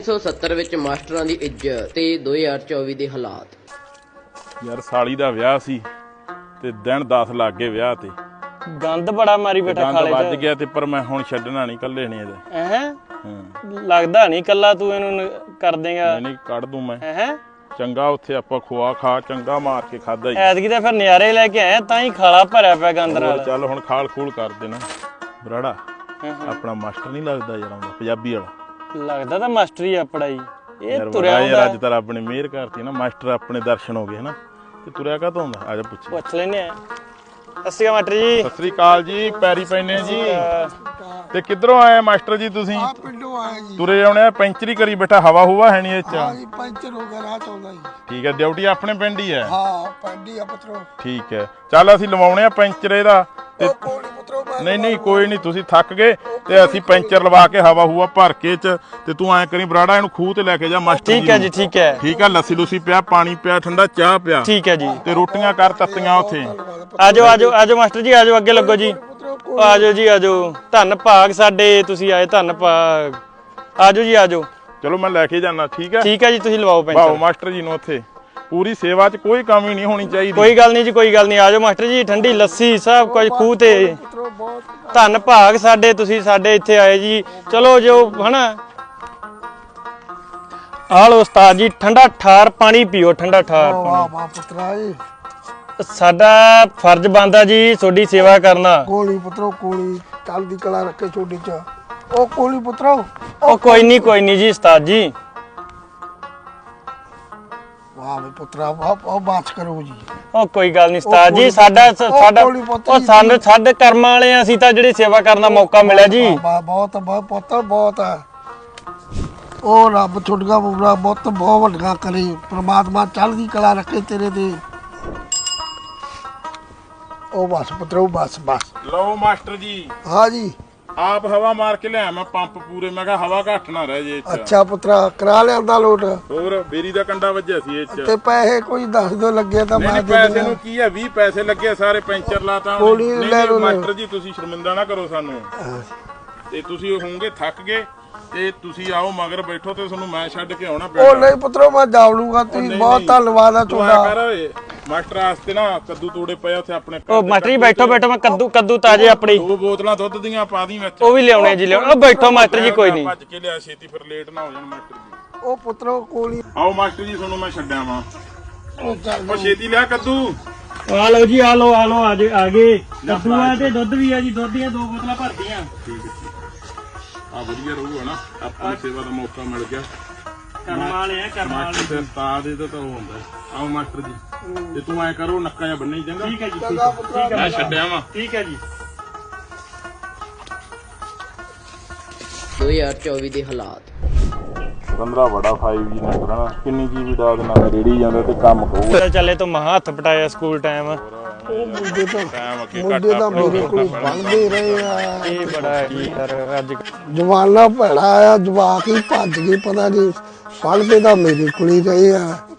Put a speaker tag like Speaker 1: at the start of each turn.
Speaker 1: 1970 ਵਿੱਚ ਮਾਸਟਰਾਂ ਦੀ ਇੱਜ਼ਤ ਤੇ 2024 ਦੇ ਹਾਲਾਤ।
Speaker 2: ਯਾਰ ਸਾਲੀ ਦਾ ਵਿਆਹ ਸੀ ਤੇ ਦਿਨ 10 ਲੱਗ ਗਏ ਵਿਆਹ ਤੇ।
Speaker 3: ਗੰਦ ਬੜਾ ਮਾਰੀ ਬੈਠਾ ਖਾਲੇ
Speaker 2: ਵੱਜ ਗਿਆ ਤੇ ਪਰ ਮੈਂ ਹੁਣ ਛੱਡਣਾ ਨਹੀਂ, ਕੱਲੇ ਨਹੀਂ ਇਹਦੇ।
Speaker 3: ਹਾਂ ਲੱਗਦਾ ਨਹੀਂ ਕੱਲਾ ਤੂੰ ਇਹਨੂੰ ਕਰ ਦੇਗਾ।
Speaker 2: ਨਹੀਂ ਕੱਢ ਦੂੰ ਮੈਂ।
Speaker 3: ਹੈ
Speaker 2: ਚੰਗਾ ਉੱਥੇ ਆਪਾਂ ਖੋਆ ਖਾ ਚੰਗਾ ਮਾਰ ਕੇ ਖਾਦਾ ਹੀ।
Speaker 3: ਐਤਕੀ ਤਾਂ ਫਿਰ ਨਜ਼ਾਰੇ ਲੈ ਕੇ ਆਏ ਤਾਂ ਹੀ ਖਾਲਾ ਭਰਿਆ ਪਿਆ ਗੰਦ ਨਾਲ।
Speaker 2: ਚੱਲ ਹੁਣ ਖਾਲ ਖੂਲ ਕਰ ਦੇਣਾ। ਬਰਾੜਾ ਆਪਣਾ ਮਾਸਟਰ ਨਹੀਂ ਲੱਗਦਾ ਯਾਰ, ਆਉਂਦਾ ਪੰਜਾਬੀ ਵਾਲਾ
Speaker 3: ਲੱਗਦਾ ਤਾਂ ਮਾਸਟਰ ਹੀ ਆਪਣਾ ਹੀ। ਇਹ ਤੁਰਿਆ
Speaker 2: ਯਾਰ ਅੱਜ ਤਾਂ ਰੱਬ ਨੇ ਮਿਹਰ ਕਰਤੀ ਨਾ, ਮਾਸਟਰ ਆਪਣੇ ਦਰਸ਼ਨ ਹੋ ਗਏ ਹਨਾ। ਤੇ ਤੁਰਿਆ ਕਾ ਤੋਂ ਹੁੰਦਾ? ਆ ਜਾ
Speaker 3: ਪੁੱਛ ਲੈਨੇ ਆ। ਸਤਿ ਮਾਸਟਰ ਜੀ।
Speaker 2: ਸਤਿ ਸ੍ਰੀ ਅਕਾਲ ਜੀ, ਪੈਰੀ ਪੈਨੇ ਜੀ। ਤੇ ਕਿੱਧਰੋਂ ਆਏ ਮਾਸਟਰ ਜੀ ਤੁਸੀਂ?
Speaker 4: ਪਿੰਡੋਂ ਆਏ ਜੀ।
Speaker 2: ਤੁਰੇ ਆਉਣੇ ਆ, ਪੈਂਚਰੀ ਕਰੀ ਬੈਠਾ, ਹਵਾ ਹੁਵਾ ਹੈ ਨਹੀਂ ਇਹ ਚ?
Speaker 4: ਹਾਂ ਜੀ, ਪੈਂਚਰ ਹੋ ਗਿਆ, ਰਾਹ ਚ ਆਉਂਦਾ ਜੀ।
Speaker 2: ਠੀਕ ਹੈ, ਡਿਊਟੀ ਆਪਣੇ ਪਿੰਡ ਹੀ ਹੈ?
Speaker 4: ਹਾਂ ਪੈਂਡੀ ਆ ਪੁੱਤਰੋ।
Speaker 2: ਠੀਕ ਹੈ, ਚੱਲ ਅਸੀਂ ਲਵਾਉਣੇ ਆ ਪੈਂਚਰ ਇਹਦਾ। ਤੇ
Speaker 4: ਕੋਲੀ ਪੁੱਤਰੋ
Speaker 2: ਨਹੀਂ ਕੋਈ ਨਹੀਂ, ਤੁਸੀਂ ਥੱਕ ਗਏ ਤੇ ਅਸੀਂ ਪੈਂਚਰ ਲਵਾ ਕੇ ਹਵਾ ਹੂਆ ਭਰ ਕੇ ਚ ਤੇ ਤੂੰ ਐ ਕਰੀ ਬਰਾੜਾ ਇਹਨੂੰ ਖੂਹ ਤੇ ਲੈ ਕੇ ਜਾ ਮਾਸਟਰ ਜੀ।
Speaker 3: ਠੀਕ ਹੈ ਜੀ, ਠੀਕ ਹੈ।
Speaker 2: ਠੀਕ ਹੈ, ਲੱਸੀ ਲੂਸੀ ਪਿਆ, ਪਾਣੀ ਪਿਆ, ਠੰਡਾ ਚਾਹ ਪਿਆ।
Speaker 3: ਠੀਕ ਹੈ ਜੀ।
Speaker 2: ਤੇ ਰੋਟੀਆਂ ਕਰ ਤੱਤੀਆਂ ਉੱਥੇ।
Speaker 3: ਆਜੋ ਆਜੋ ਆਜੋ ਮਾਸਟਰ ਜੀ, ਆਜੋ ਅੱਗੇ ਲੱਗੋ ਜੀ। ਆਜੋ ਜੀ ਆਜੋ, ਧੰਨ ਭਾਗ ਸਾਡੇ ਤੁਸੀਂ ਆਏ, ਧੰਨ ਭਾਗ। ਆਜੋ ਜੀ ਆਜੋ।
Speaker 2: ਚਲੋ ਮੈਂ ਲੈ ਕੇ ਜਾਣਾ। ਠੀਕ ਹੈ,
Speaker 3: ਠੀਕ ਹੈ ਜੀ, ਤੁਸੀਂ ਲਵਾਓ ਪੈਂਚਰ।
Speaker 2: ਵਾਓ ਮਾਸਟਰ ਜੀ ਨੂੰ ਉੱਥੇ ਪੂਰੀ ਸੇਵਾ 'ਚ ਕੋਈ ਕਮੀ ਨਹੀਂ ਹੋਣੀ ਚਾਹੀਦੀ।
Speaker 3: ਕੋਈ ਗੱਲ ਨਹੀਂ ਜੀ, ਕੋਈ ਗੱਲ ਨਹੀਂ। ਆਜੋ ਮਾਸਟਰ ਜੀ, ਠੰਡੀ ਲੱਸੀ ਸਭ ਕੁਝ ਖੂਹ ਤੇ। ਧੰਨ ਭਾਗ ਸਾਡੇ ਤੁਸੀਂ ਸਾਡੇ ਇੱਥੇ ਆਏ ਜੀ। ਚਲੋ ਜੋ ਹਨਾ, ਆ ਲੋ ਉਸਤਾਦ ਜੀ, ਠੰਡਾ ਠਾਰ ਪਾਣੀ ਪੀਓ, ਠੰਡਾ ਠਾਰ
Speaker 4: ਵਾਹ
Speaker 3: ਪਾਣੀ।
Speaker 4: ਵਾਹ ਪੁੱਤਰਾ ਜੀ,
Speaker 3: ਸਾਡਾ ਫਰਜ਼ ਬਣਦਾ ਜੀ ਤੁਹਾਡੀ ਸੇਵਾ ਕਰਨਾ।
Speaker 4: ਕੋਲੀ ਪੁੱਤਰੋ ਕੋਲੀ, ਚੜ੍ਹਦੀ ਕਲਾ ਰੱਖੇ ਛੋਡੀ ਚ। ਉਹ ਕੋਲੀ ਪੁੱਤਰੋ।
Speaker 3: ਉਹ ਕੋਈ ਨਹੀਂ ਜੀ ਉਸਤਾਦ ਜੀ।
Speaker 4: ਵਾਹ ਵੇ ਪੁੱਤਰਾ, ਉਹ ਬਾਤ ਕਰੋ ਜੀ।
Speaker 3: ਉਹ ਕੋਈ ਗੱਲ ਨਹੀਂ ਉਸਤਾਦ ਜੀ, ਸਾਡਾ ਉਹ ਸਾਨੂੰ ਸਾਡੇ ਕਰਮਾਂ ਵਾਲੇ ਆ ਅਸੀਂ ਤਾਂ ਜਿਹੜੀ ਸੇਵਾ ਕਰਨ ਦਾ ਮੌਕਾ ਮਿਲਿਆ ਜੀ।
Speaker 4: ਬਹੁਤ ਬਹੁਤ ਪੁੱਤਰ ਬਹੁਤ ਹੈ। ਉਹ ਰੱਬ ਛੁੱਟਗਾ ਬੁਰਾ ਬਹੁਤ ਵੱਡਾ ਕਰੇ, ਪ੍ਰਮਾਤਮਾ ਚੜ੍ਹਦੀ ਕਲਾ ਰੱਖੇ ਤੇਰੇ ਤੇ। ਉਹ ਬਸ ਪੁੱਤਰੋ, ਬਸ
Speaker 2: ਲਓ ਮਾਸਟਰ ਜੀ।
Speaker 4: ਹਾਂ ਜੀ,
Speaker 2: ਆਪ ਹਵਾ ਮਾਰ ਕੇ ਲਿਆ ਮੈਂ ਪੰਪ ਪੂਰੇ। ਮੈਂ ਕਿਹਾ ਹਵਾ ਘੱਟ ਨਾ ਰਹਿ ਜੇ ਇੱਥੇ।
Speaker 4: ਅੱਛਾ ਪੁੱਤਰਾ, ਕਰਾ ਲਿਆਂਦਾ ਲੋਟ।
Speaker 2: ਹੋਰ ਬੇਰੀ ਦਾ ਕੰਡਾ ਵੱਜਿਆ ਸੀ ਇਹ ਚ।
Speaker 4: ਤੇ ਪੈਸੇ ਕੋਈ ਦੱਸ ਦੋ ਲੱਗੇ ਤਾਂ ਮੈਂ
Speaker 2: ਨਹੀਂ
Speaker 4: ਦੇ
Speaker 2: ਪੈਸੇ
Speaker 4: ਦਿੰਦਾ।
Speaker 2: ਨੂੰ ਕੀ ਹੈ, 20 ਪੈਸੇ ਲੱਗੇ ਸਾਰੇ ਪੈਂਚਰ ਲਾਤਾ।
Speaker 4: ਗੋਲੀ ਲੈ ਲਓ।
Speaker 2: ਮਾਸਟਰ ਜੀ ਤੁਸੀਂ ਸ਼ਰਮਿੰਦਾ ਨਾ ਕਰੋ ਸਾਨੂੰ। ਤੇ ਤੁਸੀਂ ਹੋਵੋਗੇ ਥੱਕ ਗਏ ਤੇ ਤੁਸੀਂ ਆਓ ਮਗਰ ਬੈਠੋ ਤੇ ਤੁਹਾਨੂੰ ਮੈਂ ਛੱਡ ਕੇ ਆਉਣਾ
Speaker 4: ਉਹ ਨਹੀਂ ਪੁੱਤਰੋ, ਮੈਂ ਜਾਵ ਲੂਗਾ। ਤੁਸੀਂ ਬਹੁਤ ਧੰਨਵਾਦ ਆ ਤੁਹਾਡਾ।
Speaker 2: ਮਾਸਟਰ ਵਾਸਤੇ ਨਾ ਕੱਦੂ ਤੋੜੇ ਪਏ ਉੱਥੇ ਆਪਣੇ।
Speaker 3: ਉਹ ਮਾਸਟਰ ਜੀ ਬੈਠੋ ਮੈਂ ਕੱਦੂ ਤਾਜੇ ਆਪਣੀ
Speaker 2: 2 ਬੋਤਲਾਂ ਦੁੱਧ ਦੀਆਂ ਪਾ ਦੀ ਵਿੱਚ।
Speaker 3: ਉਹ ਵੀ ਲਿਆਉਣੇ ਜੀ, ਲਿਆਉਣੇ। ਉਹ ਬੈਠੋ ਮਾਸਟਰ ਜੀ, ਕੋਈ ਨਹੀਂ।
Speaker 2: ਭੱਜ ਕੇ ਲਿਆ ਛੇਤੀ, ਫਿਰ ਲੇਟ ਨਾ ਹੋ ਜਾਣ ਮਾਸਟਰ ਜੀ।
Speaker 4: ਉਹ ਪੁੱਤਰੋ ਕੋਲੀ।
Speaker 2: ਆਓ ਮਾਸਟਰ ਜੀ, ਤੁਹਾਨੂੰ ਮੈਂ ਛੱਡਿਆ ਵਾਂ।
Speaker 4: ਉਹ ਚੱਲ
Speaker 2: ਉਹ ਛੇਤੀ ਲਿਆ ਕੱਦੂ।
Speaker 3: ਆ ਲਓ ਜੀ, ਆ ਲਓ ਆ ਗਏ ਕੱਦੂ ਆ ਤੇ ਦੁੱਧ ਵੀ ਆ ਜੀ। ਦੁੱਧ ਦੀਆਂ 2 ਬੋਤਲਾਂ ਭਰਤੀਆਂ।
Speaker 2: ਠੀਕ ਹੈ, ਆ ਵਧੀਆ ਰਹੂਗਾ ਨਾ, ਆਪਾਂ ਨੂੰ ਸੇਵਾ ਦਾ ਮੌਕਾ ਮਿਲ ਗਿਆ।
Speaker 3: ਕਰਮਾਂ ਵਾਲੇ ਆ, ਕਰਮਾਂ ਵਾਲੇ।
Speaker 2: ਤੇ ਉਸਤਾਦ ਇਹਦਾ ਤਾਂ ਉਹ ਹੁੰਦਾ। ਆਓ ਮਾਸਟਰ ਜੀ, ਤੇ ਤੂੰ ਐ ਕਰੋ ਨੱਕਾ ਜਾਂ ਬੰਨੇ ਚੰਗਾ।
Speaker 3: ਠੀਕ ਹੈ ਜੀ,
Speaker 4: ਚੰਗਾ ਪੁੱਤਰਾ।
Speaker 2: ਮੈਂ ਛੱਡਿਆ ਵਾਂ।
Speaker 3: ਠੀਕ ਹੈ ਜੀ।
Speaker 1: 2024 ਦੇ ਹਾਲਾਤ।
Speaker 2: ਬੰਦਰਾ ਬੜਾ 5G ਨੇ ਕਰਨਾ, ਕਿੰਨੀ ਜੀਬੀ ਦਾ ਉਹਦੇ ਨਾਲ ਰੇੜੀ ਜਾਂਦਾ ਤੇ ਕੰਮ ਹੋਊਗਾ।
Speaker 3: ਚੱਲੇ ਤੋਂ ਮਹਾ ਹੱਥ ਪਟਾਇਆ ਸਕੂਲ ਟਾਈਮ।
Speaker 4: ਉਹ ਮੁੰਡੇ ਤਾਂ
Speaker 2: ਟਾਈਮ ਅੱਗੇ
Speaker 4: ਮੁੰਡੇ ਤਾਂ ਮੇਰੇ ਕੋਲ ਬਣਦੇ ਰਹੇ ਆ।
Speaker 3: ਇਹ ਬੜਾ ਯਾਰ ਅੱਜ
Speaker 4: ਜਵਾਨਾ ਭੈੜਾ ਆ, ਜਵਾਕ ਹੀ ਭੱਜ ਗਏ, ਪਤਾ ਨਹੀਂ ਪੜ੍ਹਦੇ ਤਾਂ ਮੇਰੇ ਕੋਲ ਹੀ ਰਹੇ ਆ।